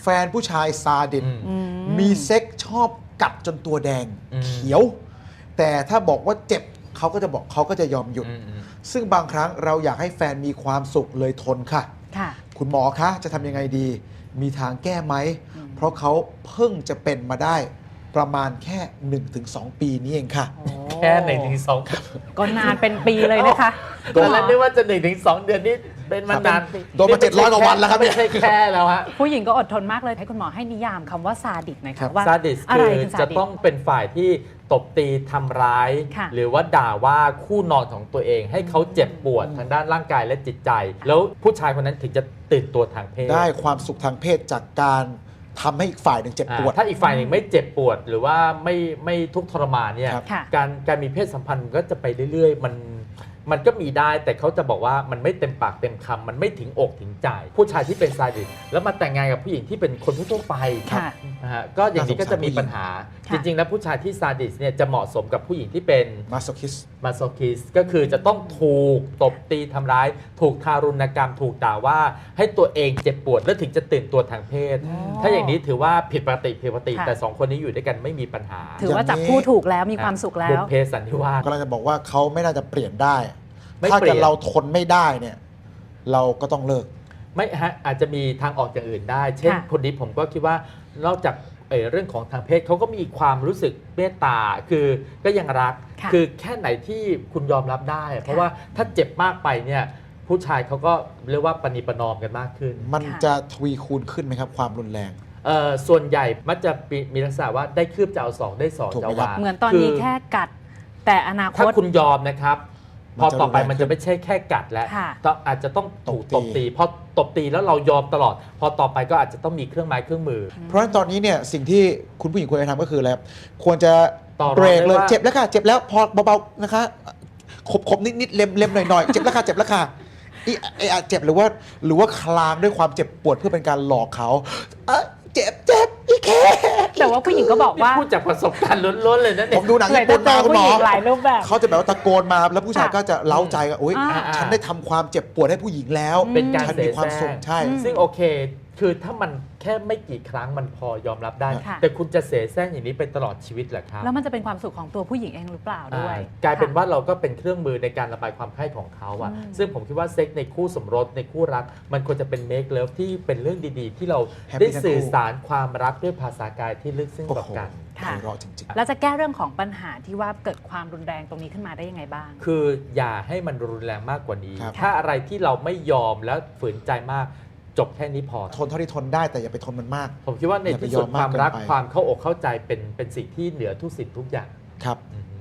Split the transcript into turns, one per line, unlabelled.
แฟนผู้ชายซาดิสมีเซ็กชอบกัดจนตัวแดงเขียว แต่ถ้าบอกว่าเจ็บเขาก็จะบอกเขาก็จะยอมหยุดซึ่งบางครั้งเราอยากให้แฟนมีความสุขเลยทนค่ะคุณหมอคะจะทำยังไงดีมีทางแก้ไหมเพราะเขาเพิ่งจะเป็นมาได้ประมาณแค่ 1-2 ปีนี้เองค่ะ
แค่ 1-2
ก็นานเป็นปีเลยนะคะ
ตอนแรกนึกว่าจะ 1-2 เดือนนี่เป็นมานาน
โดนมา700 กว่าวันแล้วครับ
ไม่ใช่แค่แล้วฮะ
ผู้หญิงก็อดทนมากเลยให้คุณหมอให้นิยามคำว่าซาดิสหน่อยค่ะว่า
ซาดิสคือจะต้องเป็นฝ่ายที่ตบตีทำร้ายหรือว่าด่าว่าคู่นอนของตัวเองให้เขาเจ็บปวดทางด้านร่างกายและจิตใจแล้วผู้ชายคนนั้นถึงจะตื่นตัวทางเพศ
ได้ความสุขทางเพศจากการทำให้อีกฝ่ายหนึ่งเจ็บปวด
ถ้าอีกฝ่ายหนึ่งไม่เจ็บปวดหรือว่าไม่ทุกข์ทรมานเนี่ยการมีเพศสัมพันธ์ก็จะไปเรื่อยๆมันก็มีได้แต่เขาจะบอกว่ามันไม่เต็มปากเต็มคำมันไม่ถึงอกถึงใจผู้ชายที่เป็นซาดิสแล้วมาแต่งงานกับผู้หญิงที่เป็นคนทั่วไปนะฮะก็อย่างนี้ก็จะมีปัญหาจริงๆแล้วผู้ชายที่ซาดิสเนี่ยจะเหมาะสมกับผู้หญิงที่เป็น
มาโซคิส
ก็คือจะต้องถูกตบตีทำร้ายถูกทารุณกรรมถูกด่าว่าให้ตัวเองเจ็บปวดแล้วถึงจะตื่นตัวทางเพศถ้าอย่างนี้ถือว่าผิดปกติแต่2คนนี้อยู่ด้วยกันไม่มีปัญหา
ถือว่าจับคู่ถูกแล้วมีความสุขแล้ว
บุพเพสันนิวาส
กำลังจะบอกว่าเขาไม่น่าจะเปลี่ยนได้ถ้าเกิดเราทนไม่ได้เนี่ยเราก็ต้องเลิก
ไม่ฮะอาจจะมีทางออกอย่างอื่นได้เช่นคนนี้ผมก็คิดว่านอกจากเรื่องของทางเพศเขาก็มีความรู้สึกเมตตาคือก็ยังรักคือแค่ไหนที่คุณยอมรับได้เพราะว่าถ้าเจ็บมากไปเนี่ยผู้ชายเขาก็เรียกว่าปณีประนอมกันมากขึ้น
มันจะทวีคูณขึ้นไหมครับความรุนแรง
ส่วนใหญ่มักจะมีลักษณะว่าได้คืบจะเอา2ได้2จะว่า
เหมือนตอนนี้แค่กัดแต่อนาคต
ถ้าคุณยอมนะครับพอต่อไปมันจะไม่ใช่แค่กัดแล้วอาจจะต้องถูกตบตีพอตบตีแล้วเรายอมตลอดพอต่อไปก็อาจจะต้องมีเครื่องไม้เครื่องมือ
เพราะฉะนั้นตอนนี้เนี่ยสิ่งที่คุณผู้หญิงควรจะทำก็คืออะไรควรจะเบรกเลยเจ็บแล้วค่ะเจ็บแล้วพอเบาๆนะคะขบนิดๆเล็มๆหน่อยๆเจ็บแล้วค่ะเจ็บแล้วค่ะเจ็บหรือว่าคลางด้วยความเจ็บปวดเพื่อเป็นการหลอกเขาเจ็บอีแค่
แต่ว่าผู้หญิงก็บอกว่า
พูดจากประสบการณ์ล้นๆเลยนะเนี่ย
ผมดูหนังญี่ปุ่นมาคุณหมอ
หลายรูปแบบ
เขาจะแบบว่าตะโกนมาแล้วผู้ชายก็จะเล้าใจกันโอ๊ยฉันได้ทำความเจ็บปวดให้ผู้หญิงแล้ว
เป็นการ
มีความสุขใช่
ซึ่งโอเคคือถ้ามันแค่ไม่กี่ครั้งมันพอยอมรับได้แต่คุณจะเสแสร้งอย่างนี้ไปตลอดชีวิตเหรอครับ
แล้วมันจะเป็นความสุขของตัวผู้หญิงเองหรือเปล่าด้วย
กลายเป็นว่าเราก็เป็นเครื่องมือในการระบายความใคร่ของเขาอะซึ่งผมคิดว่าเซ็กในคู่สมรสในคู่รักมันควรจะเป็นเมคเลิฟที่เป็นเรื่องดีๆที่เราได้สื่อสารความรักด้วยภาษากายที่ลึกซึ้งต่อกัน
แล้วจะแก้เรื่องของปัญหาที่ว่าเกิดความรุนแรงตรงนี้ขึ้นมาได้ยังไงบ้าง
คืออย่าให้มันรุนแรงมากกว่านี้ถ้าอะไรที่เราไม่ยอมแล้วฝืนใจมากจบแค่นี้พอ
ทนเท่าที่ทนได้แต่อย่าไปทนมันมาก
ผมคิดว่าในที่สุดความรักความเข้าอกเข้าใจเป็นสิ่งที่เหนือทุกสิ่งทุกอย่าง
ครับ